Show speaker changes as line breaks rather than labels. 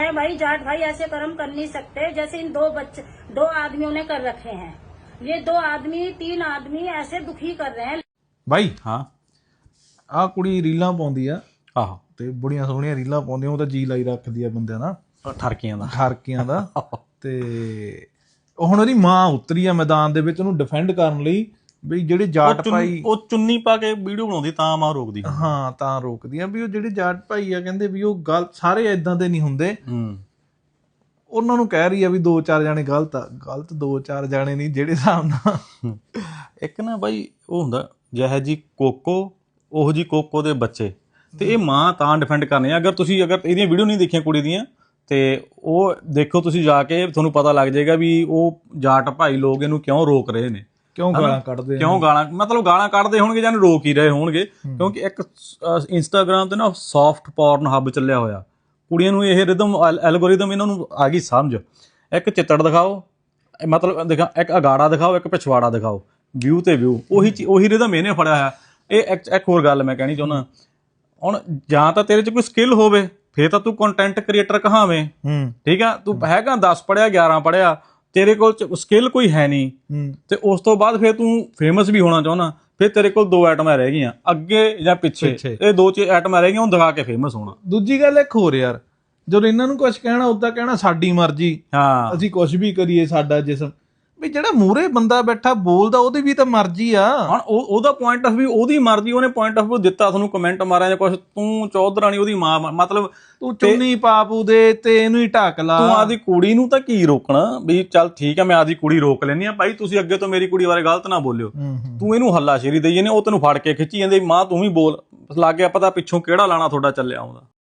भाई जाट भाई ऐसे कर्म कर नहीं सकते जैसे इन दो आदमियों ने कर रखे हैं। ये 2 आदमी 3 आदमी ऐसे दुखी कर रहे हैं।
ਬਾਈ
ਹਾਂ
ਆਹ ਕੁੜੀ ਰੀਲਾਂ ਪਾਉਂਦੀ ਆ
ਆਹੋ
ਤੇ ਬੜੀਆਂ ਸੋਹਣੀਆਂ ਰੀਲਾਂ ਪਾਉਂਦੀ ਆ, ਉਹ ਤਾਂ ਜੀ ਲਾਈ ਰੱਖਦੀ ਆ ਬੰਦਿਆਂ ਦਾ,
ਠਰਕੀਆਂ ਦਾ
ਠਾਰਕੀਆਂ ਦਾ। ਤੇ ਹੁਣ ਉਹਦੀ ਮਾਂ ਉਤਰੀ ਆ ਮੈਦਾਨ ਦੇ ਵਿੱਚ ਉਹਨੂੰ ਡਿਫੈਂਡ ਕਰਨ ਲਈ ਵੀ ਜਿਹੜੇ ਜਾਟ ਭਾਈ
ਉਹ ਚੁੰਨੀ ਪਾ ਕੇ ਵੀਡੀਓ ਬਣਾਉਂਦੀ ਤਾਂ ਮਾਂ ਰੋਕਦੀ।
ਹਾਂ ਤਾਂ ਰੋਕਦੀ ਆ ਵੀ ਉਹ ਜਿਹੜੇ ਜਾਟ ਭਾਈ ਆ ਕਹਿੰਦੇ ਵੀ ਉਹ ਗਲਤ, ਸਾਰੇ ਏਦਾਂ ਦੇ ਨਹੀਂ ਹੁੰਦੇ। ਉਹਨਾਂ ਨੂੰ ਕਹਿ ਰਹੀ ਆ ਵੀ 2-4 ਜਾਣੇ ਗਲਤ ਆ। ਗਲਤ 2-4 ਜਾਣੇ ਨਹੀਂ, ਜਿਹੜੇ ਹਿਸਾਬ ਨਾਲ
ਇੱਕ ਨਾ ਬਾਈ ਉਹ ਹੁੰਦਾ ਜਿਹੋ ਜੀ ਕੋਕੋ ਉਹੋ ਜੀ ਕੋਕੋ ਦੇ ਬੱਚੇ, ਤੇ ਇਹ ਮਾਂ ਤਾਂ ਡਿਫੈਂਡ ਕਰਨੀ ਆ। ਅਗਰ ਇਹਦੀਆਂ ਵੀਡੀਓ ਨਹੀਂ ਦੇਖੀਆਂ ਕੁੜੀ ਦੀਆਂ ਤੇ ਉਹ ਦੇਖੋ ਤੁਸੀਂ ਜਾ ਕੇ, ਤੁਹਾਨੂੰ ਪਤਾ ਲੱਗ ਜਾਏਗਾ ਵੀ ਉਹ ਜਾਟ ਭਾਈ ਲੋਕ ਇਹਨੂੰ ਕਿਉਂ ਰੋਕ ਰਹੇ ਨੇ,
ਕਿਉਂ ਗਾਲਾਂ ਕੱਢਦੇ,
ਕਿਉਂ ਗਾਲਾਂ ਕੱਢਦੇ ਹੋਣਗੇ ਜਾਂ ਰੋਕ ਹੀ ਰਹੇ ਹੋਣਗੇ। ਕਿਉਂਕਿ ਇੱਕ ਇੰਸਟਾਗ੍ਰਾਮ ਤੇ ਨਾ ਸੌਫਟ ਪੋਰਨ ਹੱਬ ਚੱਲਿਆ ਹੋਇਆ, ਕੁੜੀਆਂ ਨੂੰ ਇਹ ਰਿਦਮ ਐਲਗੋਰਿਦਮ ਇਹਨਾਂ ਨੂੰ ਆ ਗਈ ਸਮਝ। ਇੱਕ ਚਿੱਤੜ ਦਿਖਾਓ, ਮਤਲਬ ਇੱਕ ਅਗਾੜਾ ਦਿਖਾਓ, ਇੱਕ ਪਿਛਵਾੜਾ ਦਿਖਾਓ, ਵਿਊ ਤੇ ਵਿਊ, ਉਹੀ ਰਿਦਮ ਇਹਨੇ ਫੜਿਆ ਹੋਇਆ। ਇਹ ਇੱਕ ਹੋਰ ਗੱਲ ਮੈਂ ਕਹਿਣੀ ਚਾਹੁੰਦਾ, ਹੁਣ ਜਾਂ ਤਾਂ ਤੇਰੇ 'ਚ ਕੋਈ ਸਕਿੱਲ ਹੋਵੇ ਫੇਰ ਤਾਂ ਤੂੰ ਕੰਟੈਂਟ ਕ੍ਰੀਏਟਰ ਕਹਾਵੇਂ, ਠੀਕ ਆ। ਤੂੰ ਹੈਗਾ 10 ਪੜ੍ਹਿਆ 11 ਪੜ੍ਹਿਆ, ਤੇਰੇ ਕੋਲ ਸਕਿੱਲ ਕੋਈ ਹੈ ਨਹੀਂ, ਤੇ ਉਸ ਤੋਂ ਬਾਅਦ ਫਿਰ ਤੂੰ ਫੇਮਸ ਵੀ ਹੋਣਾ ਚਾਹੁੰਦਾ, ਫਿਰ ਤੇਰੇ ਕੋਲ 2 ਆਈਟਮਾਂ ਰਹਿ ਗਈਆਂ, ਅੱਗੇ ਜਾਂ ਪਿੱਛੇ। ਇਹ 2 ਆਈਟਮਾਂ ਰਹਿ ਗਈਆਂ, ਉਹਨੂੰ ਦਿਖਾ ਕੇ ਫੇਮਸ ਹੋਣਾ।
ਦੂਜੀ ਗੱਲ ਇੱਕ ਹੋਰ ਯਾਰ, ਜਦੋਂ ਇਹਨਾਂ ਨੂੰ ਕੁਝ ਕਹਿਣਾ ਉਦਾਂ ਕਹਿਣਾ ਸਾਡੀ ਮਰਜ਼ੀ,
ਹਾਂ
ਅਸੀਂ ਕੁਝ ਵੀ ਕਰੀਏ, ਸਾਡਾ ਜਿਸਮ। ਵੀ ਜਿਹੜਾ ਮੂਹਰੇ ਬੰਦਾ ਬੈਠਾ ਬੋਲਦਾ ਉਹਦੀ ਵੀ ਤਾਂ ਮਰਜ਼ੀ ਆ।
ਹੁਣ ਉਹਦਾ ਪੁਆਇੰਟ ਆਫ ਵਿਊ, ਉਹਦੀ ਮਰਜ਼ੀ, ਉਹਨੇ ਪੁਆਇੰਟ ਆਫ ਵਿਊ ਦਿੱਤਾ, ਤੁਹਾਨੂੰ ਕਮੈਂਟ ਮਾਰਿਆ ਜਾਂ ਕੁਛ, ਤੂੰ ਚੌਧਰਾਣੀ ਉਹਦੀ ਮਾਂ, ਮਤਲਬ
ਤੂੰ ਚੁੰਨੀ ਪਾਪੂ ਦੇ ਤੇ ਇਹਨੂੰ ਹੀ ਢੱਕ ਲਾ।
ਤੂੰ ਆਦੀ ਕੁੜੀ ਨੂੰ ਤਾਂ ਕੀ ਰੋਕਣਾ ਵੀ ਚੱਲ ਠੀਕ ਆ ਮੈਂ ਆਦੀ ਕੁੜੀ ਰੋਕ ਲੈਂਦੀ ਆ, ਭਾਈ ਤੁਸੀਂ ਅੱਗੇ ਤੋਂ ਮੇਰੀ ਕੁੜੀ ਬਾਰੇ ਗਲਤ ਨਾ ਬੋਲਿਓ। ਤੂੰ ਇਹਨੂੰ ਹੱਲਾਸ਼ੇਰੀ ਦੇਈ ਜਾਂਦੇ, ਉਹ ਤੈਨੂੰ ਫੜ ਕੇ ਖਿੱਚੀ ਜਾਂਦੇ, ਮਾਂ ਤੂੰ ਵੀ ਬੋਲ, ਲੱਗ ਗਿਆ ਪਤਾ ਪਿੱਛੋਂ ਕਿਹੜਾ ਲਾਣਾ ਤੁਹਾਡਾ ਚੱਲਿਆ ਆਉਂਦਾ।